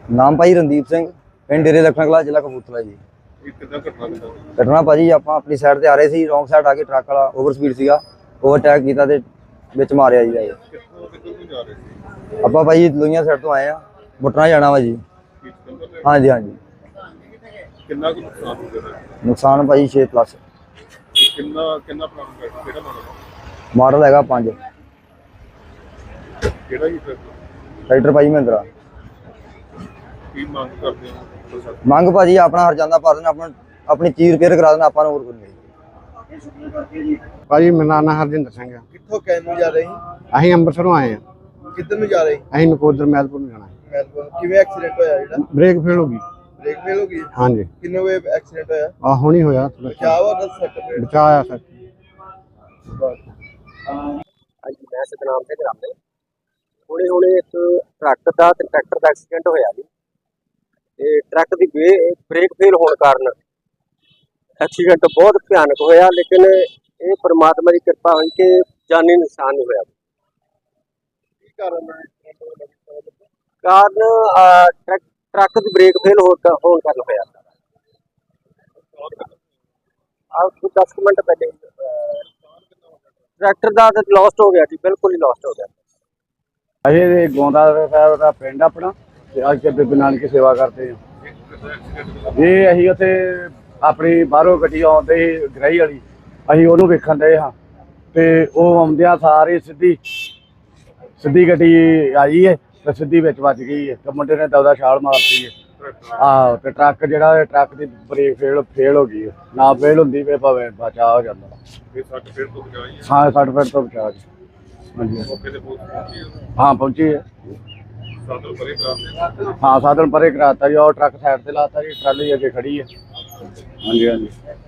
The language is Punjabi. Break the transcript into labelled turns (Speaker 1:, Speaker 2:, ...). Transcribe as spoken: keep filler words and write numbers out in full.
Speaker 1: ਨਾਮ ਭਾਈ ਰਣਦੀਪ ਸਿੰਘ, ਪਿੰਡ ਡੇਰੇ ਲਖਣਾ ਕਲਾਂ, ਜ਼ਿਲ੍ਹਾ ਕਪੂਰਥਲਾ ਜੀ। ਘਟਨਾ ਭਾਜੀ ਆਪਾਂ ਆਪਣੀ ਸਾਈਡ ਤੇ ਆ ਰਹੇ ਸੀ, ਰੌਂਗ ਸਾਈਡ ਆ ਕੇ ਟਰੱਕ ਵਾਲਾ ਓਵਰ ਸਪੀਡ ਸੀਗਾ, ਓਵਰਟੇਕ ਕੀਤਾ ਤੇ ਵਿੱਚ ਮਾਰਿਆ ਜੀ। ਆਪਾਂ ਭਾਈ ਲੋਹੀਆਂ ਸਾਈਡ ਤੋਂ ਆਏ ਆ, ਬੁੱਟਰਾਂ ਜਾਣਾ ਵਾ ਜੀ। ਹਾਂਜੀ ਹਾਂਜੀ।
Speaker 2: ਕਿੰਨਾ ਕੁ ਨੁਕਸਾਨ ਹੋ ਗਿਆ?
Speaker 1: ਨੁਕਸਾਨ ਭਾਈ ਛੇ ਪਲੱਸ।
Speaker 2: ਕਿੰਨਾ ਕਿੰਨਾ ਪੁਰਾਣਾ ਕਿਹੜਾ ਮਾਡਲ?
Speaker 1: ਮਾਡਲ ਹੈਗਾ ਪੰਜ।
Speaker 2: ਕਿਹੜਾ ਜੀ
Speaker 1: ਟਰੈਕਟਰ ਭਾਈ ਮਹਿੰਦਰਾ।
Speaker 2: ਕੀ ਮੰਗ ਕਰਦੇ ਹੋ?
Speaker 1: ਮੰਗ ਭਾਜੀ ਆਪਣਾ ਹਰਜਾਨਾ ਪਾ ਦੇਣਾ, ਆਪਣਾ ਆਪਣੀ ਚੀਜ਼ ਰਿਪੇਅਰ ਕਰਾ ਦੇਣਾ, ਆਪਾਂ ਨੂੰ ਹੋਰ ਕੁਝ ਨਹੀਂ।
Speaker 3: ਭਾਜੀ ਮੇਰਾ ਨਾਂ ਹਰਜਿੰਦਰ ਸਿੰਘ ਆ।
Speaker 4: ਕਿੱਥੋਂ ਕਹਿਣ ਨੂੰ ਜਾ ਰਹੇ?
Speaker 3: ਅਸੀਂ ਅੰਮ੍ਰਿਤਸਰੋਂ ਆਏ ਆ।
Speaker 4: ਕਿੱਧਰ ਨੂੰ ਜਾ ਰਹੇ?
Speaker 3: ਅਸੀਂ ਨਕੋਦਰ ਮੈਲਪੁਰ ਨੂੰ ਜਾਣਾ।
Speaker 4: ਮੈਲਬੌਰਨ। ਕਿਵੇਂ ਐਕਸੀਡੈਂਟ ਹੋਇਆ ਜਿਹੜਾ?
Speaker 3: ਬ੍ਰੇਕ ਫੇਲ ਹੋ ਗਈ।
Speaker 4: ਬ੍ਰੇਕ ਫੇਲ ਹੋ ਗਈ?
Speaker 3: ਹਾਂਜੀ।
Speaker 4: ਕਿੰਨੇ ਵੇ ਐਕਸੀਡੈਂਟ ਹੋਇਆ?
Speaker 3: ਆ ਹੁਣੀ ਹੋਇਆ।
Speaker 4: ਬਚਾਅ ਵਾ ਦਸ ਸੈਕਿੰਡ
Speaker 3: ਬਚਾਇਆ ਸਰ।
Speaker 5: ਹਾਂਜੀ, ਮੈਂ ਸਤਨਾਮ ਸਿੰਘ ਰਾਮੇ। ਹੁਣੇ ਹੁਣੇ ਇੱਕ ਟਰੱਕ ਦਾ ਤੇ ਟਰੈਕਟਰ ਦਾ ਐਕਸੀਡੈਂਟ ਹੋਇਆ ਜੀ, ਤੇ ਟਰੱਕ ਦੀ ਬ੍ਰੇਕ ਫੇਲ ਹੋਣ ਕਾਰਨ ਐਕਸੀਡੈਂਟ ਬਹੁਤ ਭਿਆਨਕ ਹੋਇਆ, ਲੇਕਿਨ ਇਹ ਪਰਮਾਤਮਾ ਦੀ ਕਿਰਪਾ ਹੋਈ ਕਿ ਜਾਨੀ ਨੁਕਸਾਨ ਨਹੀਂ ਹੋਇਆ।
Speaker 4: ਕੀ ਕਾਰਨ ਹੈ?
Speaker 5: ਕਾਰਨ ਟਰੱਕ ਦੀ ਬ੍ਰੇਕ ਫੇਲ ਹੋਣ ਕਾਰਨ ਹੋਇਆ। ਆ ਦਸ ਮਿੰਟ ਪਹਿਲੇ ਟਰੈਕਟਰ ਦਾ ਤਾਂ ਲੋਸਟ ਹੋ ਗਿਆ ਜੀ, ਬਿਲਕੁਲ ਹੀ ਲੋਸਟ ਹੋ ਗਿਆ।
Speaker 3: ਅਸੀਂ ਗੋਂਦਾ ਸਾਹਿਬ ਦਾ ਪਿੰਡ ਆਪਣਾ, ਤੇ ਅੱਜ ਬੀਬੀ ਨਾਨਕੀ ਸੇਵਾ ਕਰਦੇ ਹਾਂ। ਇਹ ਅਸੀਂ ਉੱਥੇ ਆਪਣੀ ਬਾਹਰੋਂ ਗੱਡੀ ਆਉਂਦੇ ਸੀ ਗਰਾਈ ਵਾਲੀ, ਅਸੀਂ ਉਹਨੂੰ ਵੇਖਣ ਡਏ ਹਾਂ, ਤੇ ਉਹ ਆਉਂਦਿਆਂ ਸਾਰੇ ਸਿੱਧੀ ਸਿੱਧੀ ਗੱਡੀ ਆਈ ਹੈ ਤੇ ਸਿੱਧੀ ਵਿੱਚ ਵੱਜ ਗਈ ਹੈ, ਤੇ ਮੁੰਡੇ ਨੇ ਦੌਦਾ ਛਾਲ ਮਾਰਤੀ ਹੈ। ਆਹੋ, ਤੇ ਟਰੱਕ ਜਿਹੜਾ ਟਰੱਕ ਦੀ ਬ੍ਰੇਕ ਫੇਲ ਫੇਲ ਹੋ ਗਈ ਹੈ, ਨਾ ਫੇਲ ਹੁੰਦੀ ਫੇ ਭਾਵੇਂ ਬਚਾਅ ਹੋ ਜਾਂਦਾ।
Speaker 2: ਇਹ ਸੱਟ ਫੇਰ ਤੋਂ ਬਚਾਈ?
Speaker 3: ਹਾਂ, ਸੱਟ ਫੇਟ ਤੋਂ ਬਚਾਅ ਜੀ। ਹਾਂਜੀ
Speaker 2: ਮੌਕੇ ਤੇ ਪਹੁੰਚੀ ਹੈ?
Speaker 3: ਹਾਂ ਪਹੁੰਚੀ ਹੈ।
Speaker 2: ਸਾਧਨ ਪਰੇ ਕਰਾਤੇ?
Speaker 3: ਹਾਂ ਸਾਧਨ ਪਰੇ ਕਰਾਤਾ ਜੀ, ਉਹ ਟਰੱਕ ਸਾਈਡ ਤੇ ਲਾਤਾ ਜੀ, ਟਰਾਲੀ ਅੱਗੇ ਖੜੀ ਹੈ। ਹਾਂਜੀ ਹਾਂਜੀ।